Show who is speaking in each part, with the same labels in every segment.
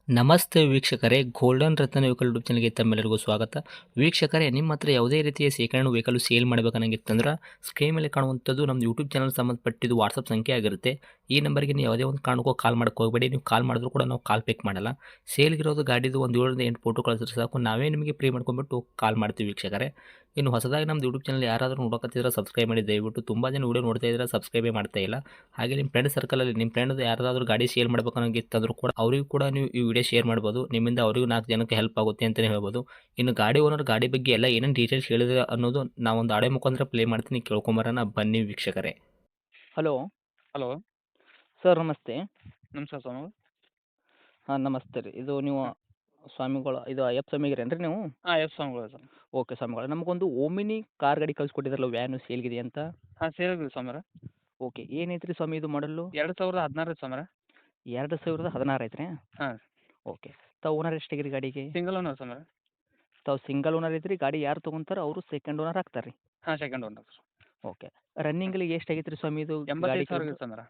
Speaker 1: ನಮಸ್ತೆ ವೀಕ್ಷಕರೇ, ಗೋಲ್ಡನ್ ರತ್ನ vehicle YouTube ಚಾನಲ್ಗೆ ತಮ್ಮೆಲ್ಲರಿಗೂ ಸ್ವಾಗತ. ವೀಕ್ಷಕರೇ, ನಿಮ್ಮ ಹತ್ರ ಯಾವುದೇ ರೀತಿಯ ಶೇಖರಣೆ ವೆಹಿಕಲ್ ಸೇಲ್ ಮಾಡಬೇಕನ್ನಂಗಿತ್ತಂದ್ರೆ ಸ್ಕ್ರೀನ್ ಮೇಲೆ ಕಾಣುವಂಥದ್ದು ನಮ್ಮ ಯೂಟ್ಯೂಬ್ ಚಾನಲ್ ಸಂಬಂಧಪಟ್ಟಿದ್ದು ವಾಟ್ಸಪ್ ಸಂಖ್ಯೆ ಆಗಿರುತ್ತೆ. ಈ ನಂಬರ್ಗೆ ನೀವು ಯಾವುದೇ ಒಂದು ಕಾರಣಕ್ಕೂ ಕಾಲ್ ಮಾಡಕ್ಕೆ ಹೋಗಬೇಡಿ. ನೀವು ಕಾಲ್ ಮಾಡಿದ್ರು ಕೂಡ ನಾವು ಕಾಲ್ ಪಿಕ್ ಮಾಡಲ್ಲ. ಸೇಲ್ಗಿರೋದು ಗಾಡಿದು ಒಂದು 7ರಿಂದ 8 ಫೋಟೋ ಕಳಿಸಿದ್ರೆ ಸಾಕು, ನಾವೇ ನಿಮಗೆ ಪ್ರೀ ಮಾಡ್ಕೊಂಡ್ಬಿಟ್ಟು ಕಾಲ್ ಮಾಡ್ತೀವಿ ವೀಕ್ಷಕರೇ. ಇನ್ನು ಹೊಸದಾಗಿ ನಮ್ಮದು ಯೂಟ್ಯೂಬ್ ಚಾನಲ್ ಯಾರಾದರೂ ನೋಡೋಕತ್ತಿದ್ರೆ ಸಬ್ಸ್ಕ್ರೈಬ್ ಮಾಡಿ ದಯವಿಟ್ಟು. ತುಂಬ ಜನ ವೀಡಿಯೋ ನೋಡ್ತಾ ಇದ್ದಾರೆ, ಸಬ್ಸ್ಕ್ರೈಬೇ ಮಾಡ್ತಾ ಇಲ್ಲ. ಹಾಗೆ ನಿಮ್ಮ ಫ್ರೆಂಡ್ ಸರ್ಕಲಲ್ಲಿ ನಿಮ್ಮ ಫ್ರೆಂಡ್ ಯಾರಾದರೂ ಗಾಡಿ ಸೇಲ್ ಮಾಡಬೇಕನ್ನೋಂಗಿತ್ತಂದ್ರೂ ಕೂಡ ಅವರಿಗೂ ಕೂಡ ನೀವು ಈ ವಿಡಿಯೋ ಶೇರ್ ಮಾಡ್ಬೋದು. ನಿಮ್ಮಿಂದ ಅವರಿಗೂ 4 ಜನಕ್ಕೆ ಹೆಲ್ಪ್ ಆಗುತ್ತೆ ಅಂತಲೇ ಹೇಳ್ಬೋದು. ಇನ್ನು ಗಾಡಿ ಓನರ್ ಗಾಡಿ ಬಗ್ಗೆ ಎಲ್ಲ ಏನೇನು ಡೀಟೇಲ್ಸ್ ಹೇಳಿದ್ರೆ ಅನ್ನೋದು ನಾವೊಂದು ಆಡಿಯೋ ಮುಖಾಂತರ ಪ್ಲೇ ಮಾಡ್ತೀನಿ, ಕೇಳ್ಕೊಂಬರೋಣ ಬನ್ನಿ ವೀಕ್ಷಕರೇ.
Speaker 2: ಹಲೋ
Speaker 3: ಹಲೋ,
Speaker 2: ಸರ್, ನಮಸ್ತೆ.
Speaker 3: ನಮಸ್ಕಾರ ಸ್ವಾಮಿ.
Speaker 2: ಹಾಂ, ನಮಸ್ತೆ ರೀ. ಇದು ನೀವು ಸ್ವಾಮಿಗಳು, ಇದು ಅಯ್ಯಪ್ಪ ಸ್ವಾಮಿಗಿರೇನು ರೀ ನೀವು?
Speaker 3: ಹಾಂ, ಎಸ್ ಸ್ವಾಮಿಗಳು ಸರ್.
Speaker 2: ಓಕೆ ಸ್ವಾಮಿಗಳು, ನಮಗೊಂದು ಓಮಿನಿ ಕಾರ್ ಗಾಡಿ ಕಳಿಸ್ಕೊಟ್ಟಿದ್ರಲ್ಲ, ವ್ಯಾನು ಸೇಲ್ಗಿದೆ ಅಂತ.
Speaker 3: ಹಾಂ, ಸೇರಿದ್ವಿ ಸ್ವಾಮಿರ.
Speaker 2: ಓಕೆ, ಏನೈತೆ ರೀ ಸ್ವಾಮಿ ಇದು ಮಾಡಲು?
Speaker 3: 2016 ಸ್ವಾಮಿರ.
Speaker 2: 2016 ಐತ್ರಿ?
Speaker 3: ಹಾಂ,
Speaker 2: ಓಕೆ. ತಾವು ಓನರ್ ಎಷ್ಟಾಗಿರಿ ಗಾಡಿಗೆ?
Speaker 3: ಸಿಂಗಲ್ ಓನರ್ ಸ್ವಾಮಿರ.
Speaker 2: ತಾವು ಸಿಂಗಲ್ ಓನರ್ ಐತ್ರಿ. ಗಾಡಿ ಯಾರು ತೊಗೊಂತಾರೆ ಅವರು ಸೆಕೆಂಡ್ ಓನರ್ ಆಗ್ತಾರೆ ರೀ?
Speaker 3: ಹಾಂ, ಸೆಕೆಂಡ್ ಓನರ್ ಸರ್.
Speaker 2: ಓಕೆ. ರನ್ನಿಂಗಲ್ಲಿ ಎಷ್ಟಾಗೈತೆ ರೀ ಸ್ವಾಮಿ ಇದು ಗಾಡಿ?
Speaker 3: 85,000 ಸ್ವಾಮಿರ.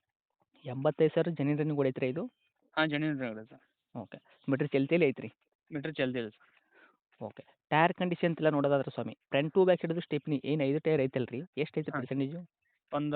Speaker 2: 85,000 ಜೆನ್ಯೂನ್ ರನ್ನಿಂಗ್ ಹೊಡೈತ್ರಿ ಇದು?
Speaker 3: ಹಾಂ, ಜೆನ್ಯೂನ್ ಇದೆ ಸರ್.
Speaker 2: ಓಕೆ. ಮೀಟ್ರ್ ಚಲ್ತಿಯಲ್ಲಿ ಐತ್ರಿ?
Speaker 3: ಮೀಟ್ರ್ ಚಲ್ತಿ ಇದೆ ಸರ್.
Speaker 2: ಓಕೆ. ಟೈರ್ ಕಂಡೀಷನ್ ಎಲ್ಲ ನೋಡೋದಾದ್ರೆ ಸ್ವಾಮಿ, ಫ್ರಂಟ್ ಟು ಬ್ಯಾಕ್ ಹಿಡಿದು ಸ್ಟೆಪ್ನಿ ಏನು 5 ಟೈರ್ ಐತಲ್ಲ ರೀ, ಎಷ್ಟು ಐತೆ
Speaker 3: ಹಾಂ,
Speaker 2: ಪರ್ಸೆಂಟೇಜು?
Speaker 3: ಒಂದು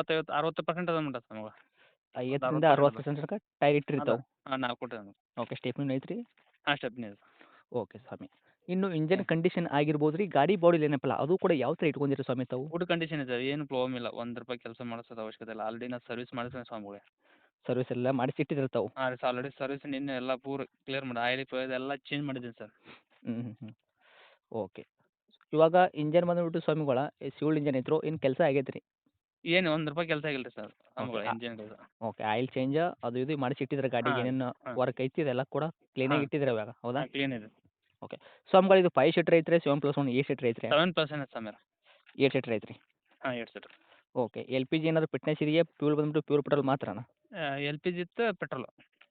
Speaker 3: 50-60% ಅದ ಮಟ್ಟ ಸ್ವಾಮಿಗಳು.
Speaker 2: 50ರಿಂದ
Speaker 3: 60%
Speaker 2: 60% ತನಕ ಟೈರ್
Speaker 3: ಅದ.
Speaker 2: ಇಟ್ಟಿರ್ತಾವೆ.
Speaker 3: ಹಾಂ, 4 ಕೊಟ್ಟಿದೆ.
Speaker 2: ಓಕೆ. ಸ್ಟೆಪ್ನಿ ಐತ್ರಿ?
Speaker 3: ಹಾಂ, ಸ್ಟೆಪ್ನಿ ಇದೆ ಸರ್.
Speaker 2: ಓಕೆ ಸ್ವಾಮಿ. ಇನ್ನು ಇಂಜನ್ ಕಂಡೀಷನ್ ಆಗಿರ್ಬೋದು ರೀ, ಗಾಡಿ ಬಾಡಿಲಿ ಏನಪ್ಪಲ್ಲ ಅದು ಕೂಡ ಯಾವ ಥರ ಇಟ್ಕೊಂಡಿರಿ ಸ್ವಾಮಿ ತಾವು?
Speaker 3: ಗುಡ್ ಕಂಡೀಷನ್ ಇದೆ, ಏನು ಪ್ರಾಬ್ಲಮ್ ಇಲ್ಲ. ₹1 ಕೆಲಸ ಮಾಡಿಸೋದು ಅವಶ್ಯಕತೆ ಇಲ್ಲ. ಆಲ್ರೆಡಿ ನಾನು ಸರ್ವಿಸ್ ಮಾಡಿಸ್ತೇನೆ ಸ್ವಾಮಿಗಳೇ.
Speaker 2: ಸರ್ವಿಸ್ ಎಲ್ಲ ಮಾಡಿಸಿ ಇಟ್ಟಿದ್ರೆ ತಾವು?
Speaker 3: ಹಾಂ ರೀ, ಆಲ್ರೆಡಿ ಸರ್ವಿಸ್ ನಿನ್ನೆ ಎಲ್ಲ ಪೂರ ಕ್ಲಿಯರ್ ಮಾಡಿ ಆಯಿಲ್ ಎಲ್ಲ ಚೇಂಜ್ ಮಾಡಿದ್ದೀನಿ ಸರ್.
Speaker 2: ಹ್ಞೂ. ಓಕೆ. ಇವಾಗ ಇಂಜನ್ ಬಂದುಬಿಟ್ಟು ಸ್ವಾಮಿಗಳ ಸಿವಿಲ್ ಇಂಜನ್ ಐತ್ರೋ ಏನು ಕೆಲಸ ಆಗೈತೆ ರೀ?
Speaker 3: ಏನು ₹1 ಕೆಲಸ ಆಗಿಲ್ಲ ರೀ ಸರ್ ಸ್ವಾಮಿಗಳೇ,
Speaker 2: ಓಕೆ.
Speaker 3: ಇಂಜಿನ್ ಕೆಲಸ.
Speaker 2: ಓಕೆ. ಆಯಿಲ್ ಚೇಂಜ್ ಅದು ಇದು ಮಾಡಿಸಿ ಇಟ್ಟಿದ್ರೆ ಗಾಡಿಗೆ
Speaker 3: ಹಾಂ,
Speaker 2: ಏನೇನು
Speaker 3: ಹಾಂ,
Speaker 2: ವರ್ಕ್ ಐತಿ ಇದೆಲ್ಲ ಕೂಡ ಕ್ಲೀನಾಗಿ
Speaker 3: ಹಾಂ,
Speaker 2: ಇಟ್ಟಿದ್ರೆ ಇವಾಗ, ಹೌದಾ?
Speaker 3: ಹಾಂ, ಕ್ಲೀನ್ ಇದೆ.
Speaker 2: ಓಕೆ. ಸ್ವಾಮಿಗಳು ಇದು 5 ಸೀಟ್ರ್ ಐತ್ರಿ, 7+1 8 ಸೀಟ್ರ್ ಐತ್ರಿ?
Speaker 3: 7% ಸಮೀರ.
Speaker 2: 8 ಸೀಟ್ರ್ ಐತ್ರಿ?
Speaker 3: ಹಾಂ, 8 seater.
Speaker 2: Okay. L P G ಏನಾದ್ರು ಫಿಟ್ನೆಸ್ ಇದೆಯಾ? ಫ್ಯೂಲ್ ಬಂದ್ಬಿಟ್ಟು ಪ್ಯೂರ್ ಪೆಟ್ರೋಲ್ ಮಾತ್ರನಾ?
Speaker 3: LPG ಇತ್ತು, petrol.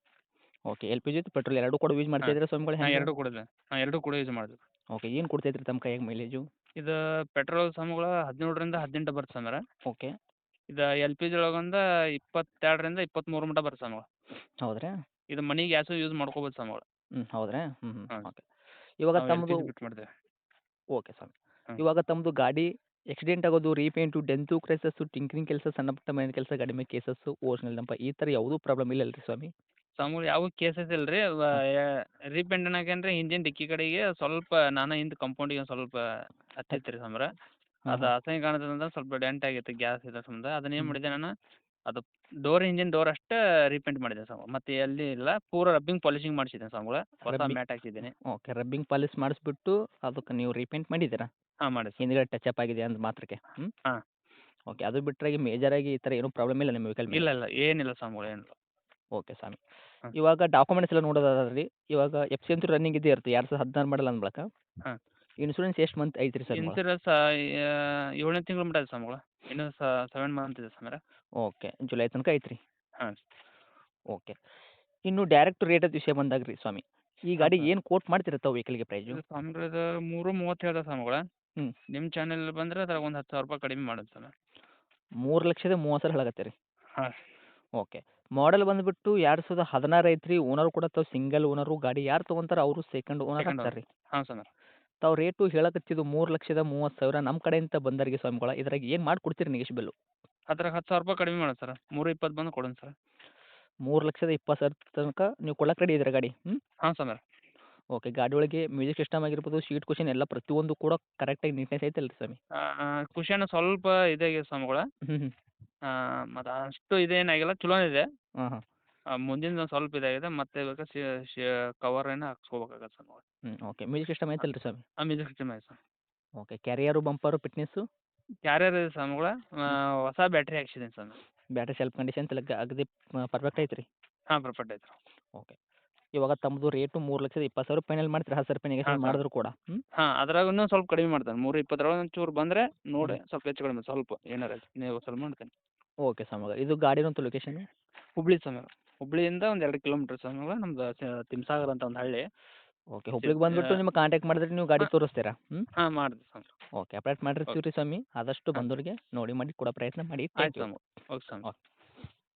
Speaker 2: Okay. L P G ಮತ್ತು ಪೆಟ್ರೋಲ್ ಎರಡೂ ಕೂಡ ಯೂಸ್ ಮಾಡ್ತಾ
Speaker 3: ಹಾಂ,
Speaker 2: ಇದ್ದೀರಾ ಸ್ವಾಮಿಗಳು
Speaker 3: ಹಾಂ,
Speaker 2: ಹೆಂಗೆ?
Speaker 3: 2 ಕೂಡ ಇದೆ. ಹಾಂ, 2 ಕೂಡ ಯೂಸ್ ಮಾಡಿದ್ವಿ.
Speaker 2: ಓಕೆ. ಏನು ಕೊಡ್ತೈತೆ ರೀ ತಮ್ಮ ಕೈಯಾಗ ಮೈಲೇಜು?
Speaker 3: ಇದು ಪೆಟ್ರೋಲ್ ಸ್ವಾಮಿಗಳು 17ರಿಂದ 18 ಬರುತ್ತೆ ಸಮೀರ.
Speaker 2: ಓಕೆ.
Speaker 3: ಇದು LPG ಒಳಗೊಂದು 22ರಿಂದ 23 ಮಟ್ಟ ಬರುತ್ತೆ ಸ್ವಾಮಿಗಳು.
Speaker 2: ಹೌದ್ರಾ?
Speaker 3: ಇದು ಮನೆ ಗ್ಯಾಸು ಯೂಸ್ ಮಾಡ್ಕೋಬೋದು ಸ್ವಾಮಿಗಳು.
Speaker 2: ಹೌದ್ರಾ?
Speaker 3: ಹಾಂ,
Speaker 2: ಓಕೆ. ಇವಾಗ
Speaker 3: ನಾವು
Speaker 2: ತಮ್ಮದು
Speaker 3: LPG ಬಿಟ್ಟು ಮಾಡ್ತೇವೆ.
Speaker 2: ಓಕೆ ಸ್ವಾಮಿ.
Speaker 3: ಹಾಂ,
Speaker 2: ಇವಾಗ ತಮ್ಮದು ಗಾಡಿ ಆಕ್ಸಿಡೆಂಟ್ ಆಗೋದು, ರೀಪೇಂಟು, ಡೆಂತು, ಕ್ರೈಸಸ್ಸು, ಟಿಂಕರಿಂಗ್ ಕೆಲಸ, ಸಣ್ಣ ಪುಟ್ಟ ಮನೆ ಕೆಲಸ, ಗಾಡಿ ಮೇಲೆ ಕೇಸಸ್ಸು, ಓರಿಜಿನಲ್ ನಂಪ ಈ ಥರ ಯಾವುದೂ ಪ್ರಾಬ್ಲಮ್ ಇಲ್ಲಲ್ಲ ರೀ ಸ್ವಾಮಿ?
Speaker 3: ಸ್ವಾಮಿಗಳು ಯಾವ ಕೇಸಸ್ ಇಲ್ಲ ರೀ.
Speaker 2: ಹಾಂ.
Speaker 3: ರೀಪೇಂಟ್ ಅನ್ನಕೇನ್ರಿ ಇಂಜಿನ್ ಡಿಕ್ಕಿ ಕಡೆಗೆ ಸ್ವಲ್ಪ ನಾನು ಹಿಂದೆ ಕಂಪೌಂಡಿಗೆ ಒಂದು ಸ್ವಲ್ಪ ಹತ್ತಿತ್ತು ರೀ ಸಮೀರ.
Speaker 2: ಹಾಂ,
Speaker 3: ಅದು
Speaker 2: ಹಾಂ.
Speaker 3: ಅಸಹ್ಯ ಕಾಣತದಂತ ಸ್ವಲ್ಪ ಡೆಂಟ್ ಆಗಿತ್ತು ಗ್ಯಾಸ್ ಇದ್ರ ಸಂಬಂಧ. ಅದನ್ನ ಏನು
Speaker 2: ಹ್ಞೂ.
Speaker 3: ಮಾಡಿದೆ ನಾನು, ಅದು ಇಂಜಿನ್ ಡೋರ್ ಅಷ್ಟೇ ರೀಪೇಂಟ್ ಮಾಡಿದೆ ಸ್ವಾಮಿ. ಮತ್ತೆ ಎಲ್ಲಿ ಇಲ್ಲ, ಪೂರ ರಬ್ಬಿಂಗ್ ಪಾಲಿಶಿಂಗ್ ಮಾಡಿಸಿದ್ದೇನೆ ಸ್ವಾಮಿಗಳೇ. ಹೊಸ
Speaker 2: ರಬ್ಬಿಂಗ್
Speaker 3: ಮ್ಯಾಟ್ ಹಾಕ್ಸಿದ್ದೀನಿ.
Speaker 2: ಓಕೆ. ರಬ್ಬಿಂಗ್ ಪಾಲಿಶ್ ಮಾಡಿಸ್ಬಿಟ್ಟು ಅದಕ್ಕೆ ನೀವು ರೀಪೇಂಟ್ ಮಾಡಿದ್ದೀರಾ?
Speaker 3: ಹಾಂ, ಮಾಡಿ ಸರ್.
Speaker 2: ಹಿಂದ್ಗಡೆ ಟಚಪ್ ಆಗಿದೆ ಅಂದ ಮಾತ್ರಕ್ಕೆ?
Speaker 3: ಹಾಂ,
Speaker 2: ಓಕೆ. ಅದು ಬಿಟ್ಟರೆ ಮೇಜರಾಗಿ ಈ ಥರ ಏನೂ ಪ್ರಾಬ್ಲಮ್ ಇಲ್ಲ ನಿಮ್ಮ ವೆಹಿಕಲ್ ಮೇಲೆ?
Speaker 3: ಇಲ್ಲ ಏನಿಲ್ಲ ಸ್ವಾಮಿಗಳು, ಏನಿಲ್ಲ.
Speaker 2: ಓಕೆ ಸ್ವಾಮಿ.
Speaker 3: ಹಾಂ,
Speaker 2: ಇವಾಗ ಡಾಕ್ಯುಮೆಂಟ್ಸ್ ಎಲ್ಲ ನೋಡೋದಾದ್ರೆ ರೀ, ಇವಾಗ ಎಫ್ ಸಿ ಅಂತೂ ರನ್ನಿಂಗ್ ಇದ್ದೇ ಇರುತ್ತೆ. 2016 ಮಾಡಲ್ ಅಂದ ಬಳಿಕ
Speaker 3: ಹಾಂ.
Speaker 2: ಇನ್ಶೂರೆನ್ಸ್ ಎಷ್ಟು ಮಂತ್ ಐತ್ರಿ ಸರ್ ನಿಮ್ಮದು?
Speaker 3: ಇನ್ಸೂರೆನ್ಸ್ 7ನೇ ತಿಂಗಳು ಮಟ್ಟ ಇದೆ ಸ್ವಾಮಿಗಳು. ಇನ್ನೂ 7 ಮಂತ್ ಇದೆ ಸಮೀರ.
Speaker 2: ಓಕೆ. ಜುಲೈ ತನಕ ಐತ್ರಿ?
Speaker 3: ಹಾಂ,
Speaker 2: ಓಕೆ. ಇನ್ನು ಡೈರೆಕ್ಟ್ ರೇಟದ ವಿಷಯ ಬಂದಾಗ ರೀ ಸ್ವಾಮಿ, ಈ
Speaker 3: ಹಾಂ
Speaker 2: ಗಾಡಿ
Speaker 3: ಸರ್.
Speaker 2: ಏನು ಕೋಟ್ ಮಾಡ್ತೀರಾ ತಾವು ವೆಹಿಕಲ್ಗೆ ಪ್ರೈಸು?
Speaker 3: ಇದು ಸ್ವಾಮಿಗಳು ಇದು 3:30 ಹೇಳ್ದೆ ಸ್ವಾಮಿಗಳೇ.
Speaker 2: ಹ್ಞೂ.
Speaker 3: ನಿಮ್ಮ ಚಾನೆಲ್ ಬಂದರೆ ಅದ್ರಾಗ ಒಂದು ₹10,000 ಕಡಿಮೆ ಮಾಡೋದು ಸ್ವಾಮಿ.
Speaker 2: 3,30,000 ಹೇಳಕತ್ತೀರಿ?
Speaker 3: ಹಾಂ,
Speaker 2: ಓಕೆ. ಮಾಡೆಲ್ ಬಂದುಬಿಟ್ಟು 2016 ಐತ್ರಿ. ಓನರ್ ಕೂಡ ತಾವು ಸಿಂಗಲ್ ಓನರು. ಗಾಡಿ ಯಾರು ತೊಗೊಂತಾರೆ ಅವರು ಸೆಕೆಂಡ್ ಓನರ್
Speaker 3: ಸೆಕೆಂಡ್
Speaker 2: ಆಗ್ತಾರೆ
Speaker 3: ಓನರ್.
Speaker 2: ರೀ.
Speaker 3: ಹಾಂ ಸ್ವಾಮಿ.
Speaker 2: ತಾವು ರೇಟು ಹೇಳಕತ್ತಿದ್ದು 3,30,000 ನಮ್ಮ ಕಡೆಯಿಂದ ಬಂದವರಿಗೆ ಸ್ವಾಮಿಗಳ, ಇದ್ರಾಗ ಏನು ಮಾಡಿಕೊಡ್ತೀರಿ ನೆಗೆಶ್ಬಲ್ಲು?
Speaker 3: ಅದ್ರಾಗ ₹10,000 ಕಡಿಮೆ ಮಾಡೋದು ಸರ್. 3:20 ಬಂದು ಕೊಡೋಣ ಸರ್.
Speaker 2: 3,20,000 ತನಕ ನೀವು ಕೊಡಕ್ಕೆ ರೆಡಿ ಇದ್ದೀರಾ ಗಾಡಿ?
Speaker 3: ಹಾಂ ಸ್ವಾಮಿ.
Speaker 2: ಓಕೆ. ಗಾಡಿ ಒಳಗೆ ಮ್ಯೂಸಿಕ್ ಸಿಸ್ಟಮ್ ಆಗಿರ್ಬೋದು, ಸೀಟ್ ಕುಷನ್ ಎಲ್ಲ ಪ್ರತಿಯೊಂದು ಕೂಡ ಕರೆಕ್ಟಾಗಿ ನೀಟ್ನೆಸ್ ಐತಲ್ಲ ರೀ ಸ್ವಾಮಿ?
Speaker 3: ಕುಷನ್ ಸ್ವಲ್ಪ ಇದಾಗಿದೆ ಸ್ವಾಮಿಗಳೇ.
Speaker 2: ಹ್ಞೂ.
Speaker 3: ಮತ್ತು ಅಷ್ಟು ಇದೇನಾಗಿಲ್ಲ, ಚಲೋನೇ ಇದೆ.
Speaker 2: ಹಾಂ, ಹಾಂ.
Speaker 3: ಮುಂದಿಂದು ಒಂದು ಸ್ವಲ್ಪ ಇದಾಗಿದೆ. ಮತ್ತೆ ಬೇಕಾದ್ರೆ ಕವರ್ ಏನೋ ಹಾಕ್ಸ್ಕೋಬೇಕಾಗತ್ತೆ ಸ್ವಾಮಿಗಳೇ.
Speaker 2: ಓಕೆ. ಮ್ಯೂಸಿಕ್ ಸಿಸ್ಟಮ್ ಐತಲ್ಲ ರೀ ಸ್ವಾಮಿ?
Speaker 3: ಮ್ಯೂಸಿಕ್ ಸಿಸ್ಟಮ್ ಇದೆ sir.
Speaker 2: Okay. Carrier, bumper, fitness?
Speaker 3: Carrier ಇದೆ ಸ್ವಾಮಿಗಳೇ. ಹೊಸ ಬ್ಯಾಟ್ರಿ ಹಾಕ್ಸಿದ್ದೀನಿ ಸ್ವಾಮಿ.
Speaker 2: ಬ್ಯಾಟ್ರಿ ಸೆಲ್ಫ್ ಕಂಡೀಷನ್ ಎಲ್ಲ ಅಗದಿ ಪರ್ಫೆಕ್ಟ್ ಐತ್ರಿ?
Speaker 3: ಹಾಂ, ಪರ್ಫೆಕ್ಟ್ ಐತೆ.
Speaker 2: ಓಕೆ. ಇವಾಗ ತಮ್ಮದು ರೇಟು 3,20,000 ಫೈನಲ್ ಮಾಡ್ತೀರಾ? 10,000
Speaker 3: ಹಾಂ
Speaker 2: ನೆಗೆಶ್ಯೇಟ್
Speaker 3: ಸರ್.
Speaker 2: ಮಾಡಿದ್ರು ಕೂಡ?
Speaker 3: ಹಾಂ, ಅದ್ರಾಗ ಇನ್ನೂ ಸ್ವಲ್ಪ ಕಡಿಮೆ ಮಾಡ್ತೇನೆ. 3:20 ಒಂಚೂರು ಬಂದರೆ ನೋಡಿ
Speaker 2: ಹ್ಞೂ.
Speaker 3: ಸ್ವಲ್ಪ ಹೆಚ್ಚು ಕಡಿಮೆ ಸ್ವಲ್ಪ ಏನಾರ ನೀವು ಸ್ವಲ್ಪ ಮಾಡ್ತೇನೆ.
Speaker 2: ಓಕೆ ಸ್ವಾಮಿಗಳ. ಇದು ಗಾಡಿನಂತೂ ಲೊಕೇಶನ್?
Speaker 3: ಹುಬ್ಳಿ ಸ್ವಾಮಿ. ಹುಬ್ಳಿಯಿಂದ ಒಂದು 2 ಕಿಲೋಮೀಟ್ರ್ ಸ್ವಾಮಿಗಳೇ. ನಮ್ದು ತಿಮ್ಸಾಗರ ಅಂತ ಒಂದು ಹಳ್ಳಿ.
Speaker 2: ಓಕೆ. ಹುಬ್ಳಿಗೆ ಬಂದುಬಿಟ್ಟು ನಿಮ್ಗೆ ಕಾಂಟ್ಯಾಕ್ಟ್ ಮಾಡಿದ್ರೆ ನೀವು ಗಾಡಿ
Speaker 3: ಹಾಂ,
Speaker 2: ತೋರಿಸ್ತೀರಾ?
Speaker 3: ಹಾಂ, ಮಾಡ್ತೀವಿ ಸ್ವಾಮಿ.
Speaker 2: ಓಕೆ. ಅಪ್ಡೇಟ್ ಮಾಡಿರ್ತೀವಿ
Speaker 3: ಓಕೆ.
Speaker 2: ರೀ ಸ್ವಾಮಿ. ಆದಷ್ಟು
Speaker 3: ಹಾಂ,
Speaker 2: ಬಂದವರಿಗೆ ನೋಡಿ ಮಾಡಿ ಕೊಡೋ ಪ್ರಯತ್ನ ಮಾಡಿ.
Speaker 3: ಆಯ್ತು
Speaker 2: ಥ್ಯಾಂಕ್ ಯು.
Speaker 3: ಸ್ವಾಮಿ. ಓಕೆ ಸ್ವಾಮಿ.
Speaker 2: ಓಕೆ.